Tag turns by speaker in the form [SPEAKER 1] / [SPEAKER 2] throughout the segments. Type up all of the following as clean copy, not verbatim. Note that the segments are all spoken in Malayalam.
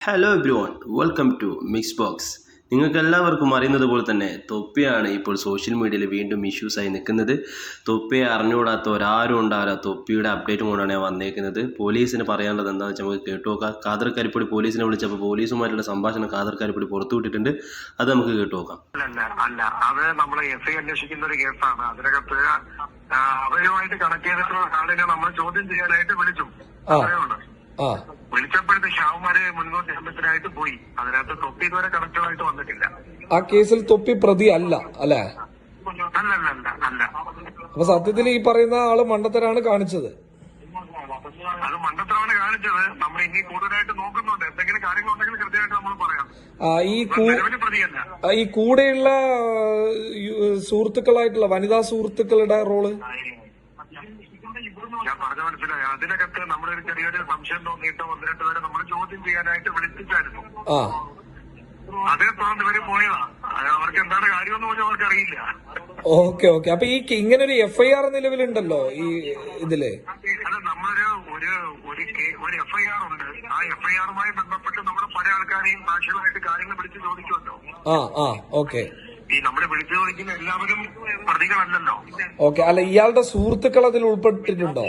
[SPEAKER 1] Hello everyone, welcome to Mix Box. നിങ്ങൾക്ക് എല്ലാവർക്കും അറിയുന്നത് പോലെ തന്നെ തൊപ്പിയാണ് ഇപ്പോൾ സോഷ്യൽ മീഡിയയിൽ വീണ്ടും ഇഷ്യൂസായി നിൽക്കുന്നത്. തൊപ്പിയെ അറിഞ്ഞുകൂടാത്ത ഒരാരും ഉണ്ടാവില്ല. തൊപ്പിയുടെ അപ്ഡേറ്റും കൊണ്ടാണ് ഞാൻ വന്നേക്കുന്നത്. പോലീസിന് പറയാനുള്ളത് എന്താണെന്ന് വെച്ചാൽ നമുക്ക് കേട്ടു നോക്കാം. ഖാദർ കരിപ്പൊടി പോലീസിനെ വിളിച്ചപ്പോൾ പോലീസുമായിട്ടുള്ള സംഭാഷണം ഖാദർ കരിപ്പൊടി പുറത്തുവിട്ടിട്ടുണ്ട്. അത് നമുക്ക് കേട്ടു നോക്കാം.
[SPEAKER 2] അല്ല, അത് നമ്മൾ എസ് ഐ അന്വേഷിക്കുന്ന ഒരു കേസാണ്. അതിനകത്ത് അവരുമായിട്ട് കണക്ട് ചെയ്തിട്ടുള്ള ആളിനെ നമ്മൾ ചോദ്യം ചെയ്യാനായിട്ട് വിളിച്ചു. വിളിച്ചപ്പോഴത്തെ ഷാവുമാര് മുൻകൂർ ജാമ്യത്തിനായിട്ട് പോയി. അതിനകത്ത് തൊപ്പി ഇതുവരെ കണക്റ്റഡ് ആയിട്ട് വന്നിട്ടില്ല.
[SPEAKER 3] ആ കേസിൽ തൊപ്പി പ്രതി അല്ല അല്ലേ?
[SPEAKER 2] അല്ല.
[SPEAKER 3] അപ്പൊ സത്യത്തിൽ ഈ പറയുന്ന ആള് മണ്ടത്തരാണ് കാണിച്ചത്.
[SPEAKER 2] അത് മണ്ടത്തരമാണ് കാണിച്ചത്. നമ്മൾ ഇനി കൂടുതലായിട്ട് നോക്കുന്നുണ്ട്. എന്തെങ്കിലും കാര്യങ്ങളുണ്ടെങ്കിൽ കൃത്യമായിട്ട് നമ്മൾ പറയാം.
[SPEAKER 3] ഈ കൂടെയുള്ള സുഹൃത്തുക്കളായിട്ടുള്ള വനിതാ സുഹൃത്തുക്കളുടെ റോള്
[SPEAKER 2] ഞാൻ പറഞ്ഞു മനസ്സിലായി. അതിനകത്ത് നമ്മളൊരു ചെറിയൊരു സംശയം തോന്നിയിട്ട് 1-2 പേരെ നമ്മൾ ചോദ്യം ചെയ്യാനായിട്ട് വിളിപ്പിച്ചായിരുന്നു. അതേ തുടർന്ന് ഇവര് പോയതാ. അവർക്ക് എന്താണ് കാര്യമെന്ന് പോലും അവർക്ക് അറിയില്ല.
[SPEAKER 3] ഓക്കെ. അപ്പൊ ഈ ഇങ്ങനെ ഒരു FIR നിലവിലുണ്ടല്ലോ ഈ ഇതില്.
[SPEAKER 2] അത് നമ്മളൊരു ഒരു FIR ഉണ്ട്. ആ FIRമായി ബന്ധപ്പെട്ട് നമ്മൾ പല ആൾക്കാരെയും സാക്ഷികളായിട്ട് കാര്യങ്ങൾ വിളിച്ച് ചോദിക്കുമല്ലോ.
[SPEAKER 3] ഓക്കെ.
[SPEAKER 2] ഈ നമ്മളെ വിളിച്ചു ചോദിക്കുന്ന എല്ലാവരും പ്രതികളല്ലല്ലോ.
[SPEAKER 3] ഓക്കെ. അല്ല, ഇയാളുടെ സുഹൃത്തുക്കൾ അതിൽ ഉൾപ്പെട്ടിട്ടുണ്ടോ?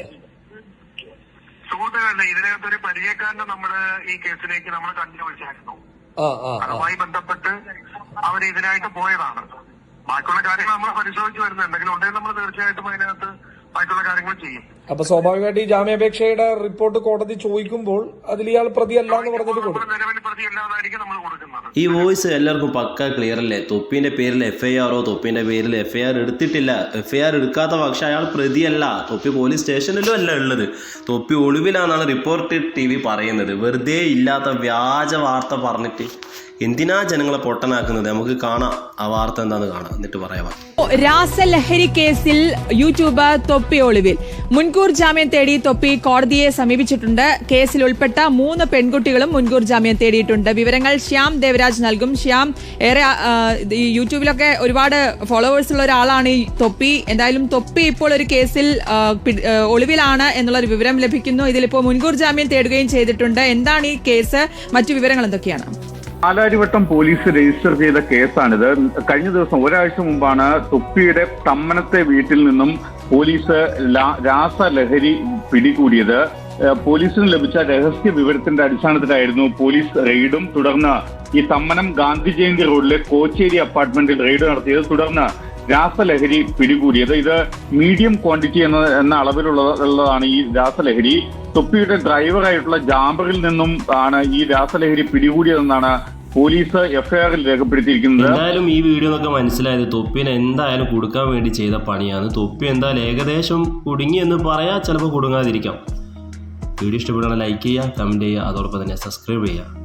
[SPEAKER 2] സുഹൃത്തുക്കളല്ല, ഇതിനകത്തൊരു പരിചയക്കാരനെ നമ്മള് ഈ കേസിലേക്ക് നമ്മൾ കണ്ടുപിടിച്ചായിരുന്നു. അതുമായി ബന്ധപ്പെട്ട് അവർ ഇതിനായിട്ട് പോയതാണ്. ബാക്കിയുള്ള കാര്യങ്ങൾ നമ്മൾ പരിശോധിച്ച് വരുന്നത്. എന്തെങ്കിലും ഉണ്ടെങ്കിൽ നമ്മൾ തീർച്ചയായിട്ടും അതിനകത്ത് ബാക്കിയുള്ള കാര്യങ്ങൾ ചെയ്യും.
[SPEAKER 3] അപ്പൊ സ്വാഭാവികമായിട്ട് ഈ ജാമ്യാപേക്ഷയുടെ റിപ്പോർട്ട് കോടതി ചോദിക്കുമ്പോൾ അതിൽ ഇയാൾ പ്രതിയല്ല എന്ന് പറഞ്ഞിട്ട് കൊടുക്കും.
[SPEAKER 2] നിലവിൽ പ്രതിയല്ലാതായിരിക്കും നമ്മൾ കൊടുക്കുന്നത്.
[SPEAKER 1] ഈ വോയിസ് എല്ലാവർക്കും പക്ക ക്ലിയർ അല്ലേ? തൊപ്പിന്റെ പേരിൽ FIR തൊപ്പിന്റെ പേരിൽ FIR എടുത്തിട്ടില്ല. FIR എടുക്കാത്ത പക്ഷെ അയാൾ പ്രതിയല്ല. തൊപ്പി പോലീസ് സ്റ്റേഷനിലും അല്ല ഉള്ളത്. തൊപ്പി ഒളിവിലാണെന്നാണ് റിപ്പോർട്ടഡ് TV പറയുന്നത്. വെറുതെ ഇല്ലാത്ത വ്യാജ വാർത്ത പറഞ്ഞിട്ട് എന്തിനാ ജനങ്ങളെ പൊട്ടനാക്കുന്നത്? നമുക്ക് കാണാം ആ വാർത്ത എന്താന്ന് കാണാം, എന്നിട്ട് പറയാം.
[SPEAKER 4] രാസലഹരി കേസിൽ യൂട്യൂബർ തൊപ്പി ഒളിവിൽ. മുൻകൂർ ജാമ്യം തേടി തൊപ്പി കോടതിയെ സമീപിച്ചിട്ടുണ്ട്. കേസിൽ ഉൾപ്പെട്ട 3 പെൺകുട്ടികളും മുൻകൂർ ജാമ്യം തേടിയിട്ടുണ്ട്. വിവരങ്ങൾ ശ്യാം ദേവരാജ് നൽകും. ശ്യാം, ഏറെ ഈ യൂട്യൂബിലൊക്കെ ഒരുപാട് ഫോളോവേഴ്സ് ഉള്ള ഒരാളാണ് ഈ തൊപ്പി. എന്തായാലും തൊപ്പി ഇപ്പോൾ ഒരു കേസിൽ ഒളിവിലാണ് എന്നുള്ളൊരു വിവരം ലഭിക്കുന്നു. ഇതിലിപ്പോൾ മുൻകൂർ ജാമ്യം തേടുകയും ചെയ്തിട്ടുണ്ട്. എന്താണ് ഈ കേസ്? മറ്റു വിവരങ്ങൾ എന്തൊക്കെയാണ്?
[SPEAKER 5] പാലാരിവട്ടം പോലീസ് രജിസ്റ്റർ ചെയ്ത കേസാണിത്. കഴിഞ്ഞ ദിവസം ഒരാഴ്ച മുമ്പാണ് തൊപ്പിയുടെ തമ്മനത്തെ വീട്ടിൽ നിന്നും പോലീസ് രാസലഹരി പിടികൂടിയത്. പോലീസിന് ലഭിച്ച രഹസ്യ വിവരത്തിന്റെ അടിസ്ഥാനത്തിലായിരുന്നു പോലീസ് റെയ്ഡും തുടർന്ന് ഈ തമ്മനം ഗാന്ധി ജയന്തി റോഡിലെ കോച്ചേരി അപ്പാർട്ട്മെന്റിൽ റെയ്ഡ് നടത്തിയത്. തുടർന്ന് രാസലഹരി പിടികൂടിയത്. ഇത് മീഡിയം ക്വാണ്ടിറ്റി എന്ന അളവിലുള്ളതാണ് ഈ രാസലഹരി. തൊപ്പിയുടെ ഡ്രൈവറായിട്ടുള്ള ജാബറിൽ നിന്നും ആണ് ഈ രാസലഹരി പിടികൂടിയതെന്നാണ് പോലീസ് FIR-ൽ രേഖപ്പെടുത്തിയിരിക്കുന്നത്.
[SPEAKER 1] എന്തായാലും ഈ വീഡിയോ എന്നൊക്കെ മനസ്സിലായത് തൊപ്പിനെ എന്തായാലും കൊടുക്കാൻ വേണ്ടി ചെയ്ത പണിയാണ്. തൊപ്പി എന്തായാലും ഏകദേശം കുടുങ്ങി എന്ന് പറയാം, ചിലപ്പോൾ കുടുങ്ങാതിരിക്കാം. വീഡിയോ ഇഷ്ടപ്പെടുകയാണെങ്കിൽ ലൈക്ക് ചെയ്യുക, കമന്റ് ചെയ്യുക, അതോടൊപ്പം തന്നെ സബ്സ്ക്രൈബ് ചെയ്യുക.